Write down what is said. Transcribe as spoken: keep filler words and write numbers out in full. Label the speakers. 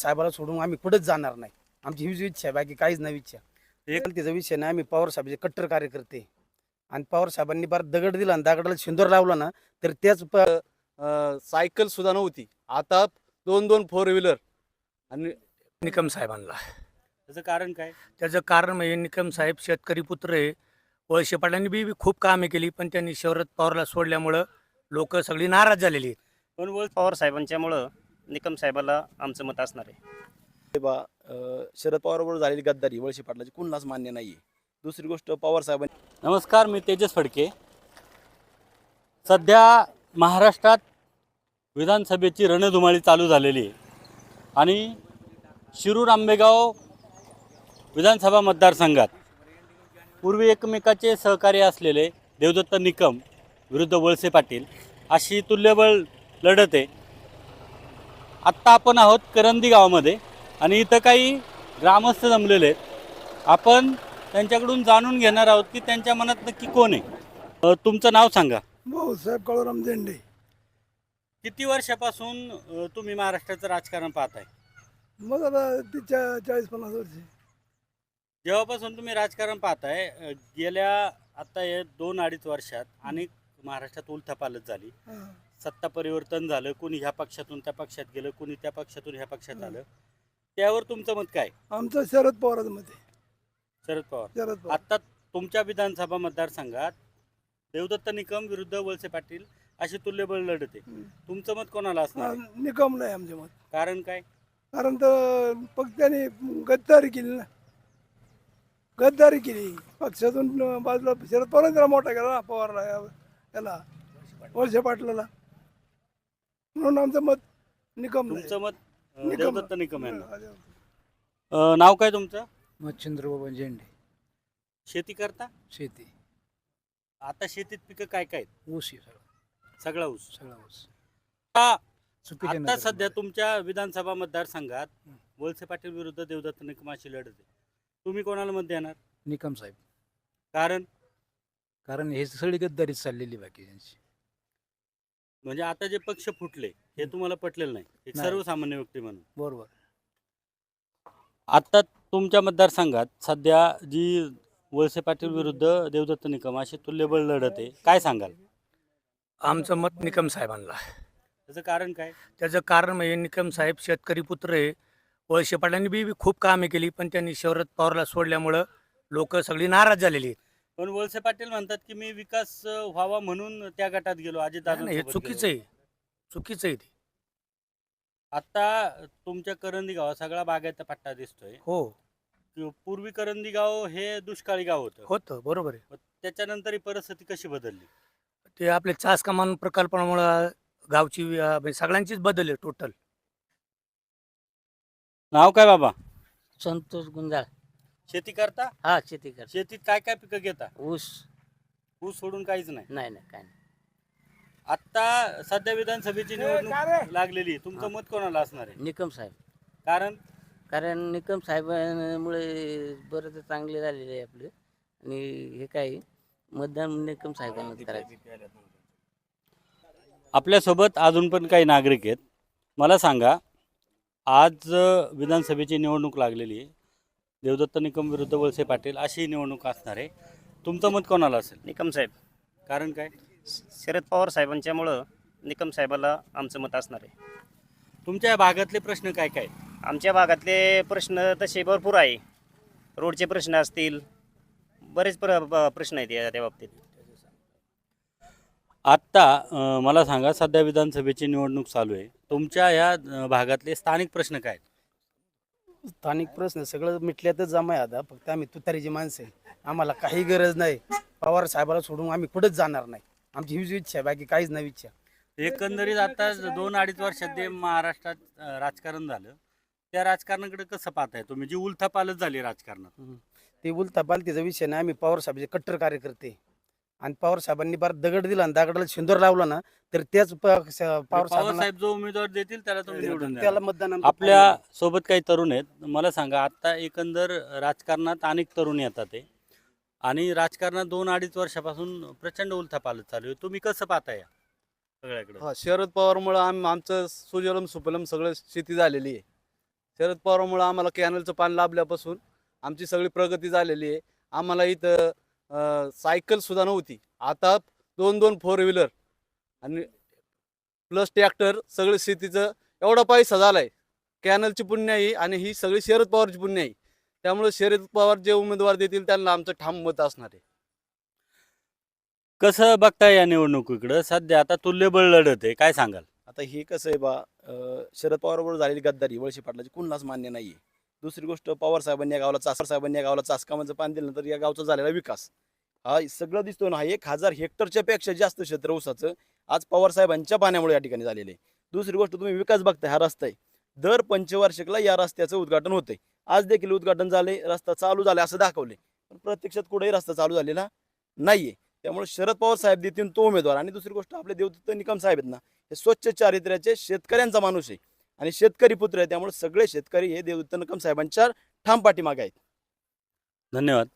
Speaker 1: साहेबाला सोडून आम्ही कुठेच जाणार नाही. आमची हीच इच्छा आहे, बाकी काहीच नाही इच्छा. एक तिचा विषय नाही, आम्ही पवार साहेबाचे कट्टर कार्यकर्ते आणि पवार साहेबांनी बार दगड दिला आणि दगडाला शिंदोर लावला ना तर त्याच
Speaker 2: अ, सायकल सुद्धा नव्हती. आता दोन दोन फोर व्हीलर. आणि
Speaker 3: निकम साहेबांना.
Speaker 4: त्याचं कारण काय?
Speaker 3: त्याचं कारण म्हणजे निकम साहेब शेतकरी पुत्र आहे. वळसे पाटलांनी बी बी खूप कामे केली, पण त्यांनी शरद पवारला सोडल्यामुळं लोक सगळी नाराज झालेली आहेत.
Speaker 4: पण वळ पवार साहेबांच्यामुळं निकम साहेबाला आमचं मत असणार आहे.
Speaker 2: बा अ, शरद पवारबरोबर झालेली गद्दारी वळसे पाटलाची कुणालाच मान्य नाहीये. दुसरी गोष्ट पवार साहेबांनी.
Speaker 4: नमस्कार, मी तेजस फडके. सध्या महाराष्ट्रात विधानसभेची रणधुमाळी चालू झालेली आहे आणि शिरूर आंबेगाव विधानसभा मतदारसंघात पूर्वी एकमेकाचे सहकार्य असलेले देवदत्त निकम विरुद्ध वळसे पाटील अशी तुल्यबळ लढत आहे. आत्ता आपण आहोत करंदी गावामध्ये आणि इथं काही ग्रामस्थ जमलेले आहेत. आपण त्यांच्याकडून जाणून घेणार आहोत की त्यांच्या मनात नक्की कोण आहे. अ, तुमचं नाव सांगा.
Speaker 5: भाऊसाहेब काळूराम झेंडे.
Speaker 4: किती वर्षापासून अ, तुम्ही महाराष्ट्राचं राजकारण पाहताय?
Speaker 5: मग आता तिच्या चाळीस पन्नास वर्षे.
Speaker 4: जेव्हापासून तुम्ही राजकारण पाहताय, अ, गेल्या आता हे दोन अडीच वर्षात अनेक महाराष्ट्रात उलथापालथ झाली.
Speaker 5: हा.
Speaker 4: सत्ता परिवर्तन झालं, कोणी ह्या पक्षातून त्या पक्षात गेलं, कोणी त्या पक्षातून ह्या पक्षात आलं. त्यावर तुमचं मत काय?
Speaker 5: आमचं शरद पवाराचं मत आहे.
Speaker 4: शरद पवार.
Speaker 5: शरद पवार.
Speaker 4: आता तुमच्या विधानसभा मतदारसंघात देवदत्त निकम विरुद्ध वळसे पाटील अशी तुल्यबळ लढत आहे.
Speaker 5: हम्म.
Speaker 4: तुमचं मत कोणाला असणार
Speaker 5: हा,
Speaker 4: आहे?
Speaker 5: निकम नाही आमचे मत.
Speaker 4: कारण काय?
Speaker 5: कारण तर पक्षाने गद्दारी केली ना. गद्दारी केली पक्षातून बाजूला. शरद पवारांनी त्याला मोठा केला ना पवारला, या- याला वळसे पाटलाला. म्हणून आमचं मत निकम नाही.
Speaker 4: तुमचं मत अ,
Speaker 5: निकम.
Speaker 4: देवदत्त निकम यांना.
Speaker 5: हा,
Speaker 4: अ, नाव काय तुमचं?
Speaker 1: मच्छिंद्र बाबा झेंडे.
Speaker 4: शेती करता?
Speaker 1: शेती
Speaker 4: आता शेतीत पिकं काय काय आहेत?
Speaker 1: ऊस आहे सगळं
Speaker 4: सगळा ऊस.
Speaker 1: सगळा ऊस
Speaker 4: आता
Speaker 1: चुकीच्या
Speaker 4: आता सध्या
Speaker 1: नजरेमध्ये.
Speaker 4: तुमच्या विधानसभा मतदारसंघात वळसे पाटील विरुद्ध देवदत्त निकम अशी लढत आहे. तुम्ही कोणाला मत देणार?
Speaker 1: निकम साहेब.
Speaker 4: कारण
Speaker 1: कारण हे सगळी गद्दारीच चाललेली बाकी त्यांची.
Speaker 4: म्हणजे आता जे पक्ष फुटले हे तुम्हाला पटलेलं नाही, एक
Speaker 1: नाही.
Speaker 4: सर्वसामान्य व्यक्ती म्हणून.
Speaker 1: बरोबर.
Speaker 4: आता तुमच्या मतदारसंघात सध्या जी वळसे पाटील विरुद्ध देवदत्त निकम अशी तुल्यबळ लढत आहे, काय सांगाल?
Speaker 3: आमचं मत निकम साहेबांना.
Speaker 4: त्याचं कारण काय?
Speaker 3: त्याचं कारण म्हणजे निकम साहेब शेतकरी पुत्र आहे. वळसे पाटलांनी बी बी खूप कामे केली, पण त्यांनी शरद पवारला सोडल्यामुळं लोक सगळी नाराज झालेली आहेत.
Speaker 4: पण वळसे पाटील म्हणतात की मी विकास अ, व्हावा म्हणून त्या गटात गेलो, अजित
Speaker 3: नाही, नाही, हे
Speaker 4: दादा
Speaker 3: चुकीचं आहे. चुकीचं आहे ते.
Speaker 4: आता तुमच्या करंदी गावात सगळा बागायता पट्टा दिसतोय.
Speaker 3: हो
Speaker 4: कि- पूर्वी करंदी गाव हे दुष्काळी गाव होतं.
Speaker 3: होतं, बरोबर आहे.
Speaker 4: मग त्याच्यानंतर ही परिस्थिती कशी बदलली?
Speaker 3: ते आपले चास कमान प्रकल्पामुळं गावची अं, म्हणजे सगळ्यांचीच बदल आहे टोटल.
Speaker 4: नाव काय बाबा?
Speaker 6: संतोष गुंजाळ.
Speaker 4: शेती करता?
Speaker 6: हा, शेती कर.
Speaker 4: शेतीत काय काय पिकं घेता?
Speaker 6: ऊस.
Speaker 4: ऊस सोडून काहीच नाही.
Speaker 6: नाही नाही काय नाही.
Speaker 4: आता सध्या विधानसभेची निवडणूक लागलेली आहे. तुमचं मत कोणाला असणार आहे?
Speaker 6: निकम साहेब.
Speaker 4: कारण
Speaker 6: कारण निकम साहेबांमुळे बरंच चांगले झालेले आहे आपले. आणि हे काय मतदान निकम साहेबांना करायचं.
Speaker 4: आपल्यासोबत अजून पण काही नागरिक आहेत. मला सांगा, आज अ, विधानसभेची निवडणूक लागलेली आहे. देवदत्त निकम विरुद्ध वळसे पाटील अशी ही निवडणूक असणार आहे. तुमचं मत कोणाला असेल?
Speaker 7: निकम साहेब.
Speaker 4: कारण काय?
Speaker 7: शरद पवार साहेबांच्यामुळं निकम साहेबाला आमचं मत असणार आहे.
Speaker 4: तुमच्या या भागातले प्रश्न काय काय आहेत?
Speaker 7: आमच्या भागातले प्रश्न तसे भरपूर आहे. रोडचे प्रश्न असतील, बरेच प्र ब- प्रश्न आहेत या त्या बाबतीत.
Speaker 4: आत्ता अ, मला सांगा, सध्या विधानसभेची निवडणूक चालू आहे. तुमच्या या अ, भागातले स्थानिक प्रश्न काय आहेत?
Speaker 1: स्थानिक प्रश्न सगळं मिटल्यातच जमा आहे. आता फक्त आम्ही तुतारीची माणसं आहे. आम्हाला काही गरज नाही. पवार साहेबाला सोडून आम्ही कुठेच जाणार नाही. आमची हीच इच्छा आहे, बाकी काहीच नाही इच्छा.
Speaker 4: एकंदरीत आता दोन अडीच वर्षात जे महाराष्ट्रात अ, राजकारण झालं, त्या राजकारणाकडे कसं पाहताय तुम्ही, जी उलथापालथ झाली राजकारणात?
Speaker 1: ते उलथा पालतीचा विषय नाही, आम्ही पवार साहेबाचे कट्टर कार्यकर्ते आणि पवार साहेबांनी बार दगड दिला आणि दगडाला शिंदोर लावला ना तर त्याच प- स- पवार
Speaker 4: पवार
Speaker 1: साहेबांना
Speaker 4: साहेब जो उमेदवार देतील त्याला तुम्ही निवडून द्या.
Speaker 1: त्याला मतदान आमचं
Speaker 4: आपल्या सोबत काही तरुण आहेत. मला सांगा, आता एकंदर राजकारणात अनेक तरुण येतात आहे आणि राजकारणात दोन अडीच वर्षापासून प्रचंड उलथापालथ चालू आहे. तुम्ही कसं पाहताय या सगळ्याकडे?
Speaker 2: हा, शरद पवारमुळं आम आमचं सुजलम सुफलम सगळं शेती झालेली आहे.
Speaker 8: शरद पवारामुळे आम्हाला कॅनलचं पाणी लाभल्यापासून आमची सगळी प्रगती झालेली आहे. आम्हाला इथं अं, सायकल सुद्धा नव्हती, आता दोन दोन फोर व्हीलर आणि प्लस ट्रॅक्टर सगळं शेतीचं एवढा पैसा झालाय. कॅनलची पुण्य आहे आणि ही सगळी शरद पवारची पुण्य आहे. त्यामुळे शरद पवार जे उमेदवार देतील त्यांना आमचं ठाम मत असणार आहे.
Speaker 4: कसं बघताय या निवडणुकीकडं? सध्या आता तुल्यबळ लढत आहे, काय सांगाल?
Speaker 2: आता हे कसं आहे बा, अं, शरद पवारबरोबर झालेली गद्दारी वळसे पाटलाची कुणालाच मान्य नाही आहे. दुसरी गोष्ट, पवार साहेबांनी या गावाला चास साहेबांनी या गावाला चासकामाचं पाणी दिलं तर या गावचा झालेला विकास हा सगळं दिसतो ना. हा एक हजार हेक्टरच्या पेक्षा जास्त क्षेत्र ऊसाचं आज पवार साहेबांच्या पाण्यामुळे या ठिकाणी झालेलं आहे. दुसरी गोष्ट, तुम्ही विकास बघताय, हा रस्ता आहे, दर पंचवार्षिकला या रस्त्याचं उद्घाटन होतंय. आज देखील उद्घाटन झाले, रस्ता चालू झाला असं दाखवले, पण प्रत्यक्षात कुठेही रस्ता चालू झालेला नाहीये. त्यामुळे शरद पवार साहेब देतील तो उमेदवार. आणि दुसरी गोष्ट, आपले देवदत्त निकम साहेब आहेत ना, हे स्वच्छ चारित्र्याचे शेतकऱ्यांचा माणूस आहे आणि शेतकरी पुत्र आहे. त्यामुळे सगळे शेतकरी हे देवदत्त निकम साहेबांच्या ठाम पाठीमागे आहेत.
Speaker 4: धन्यवाद.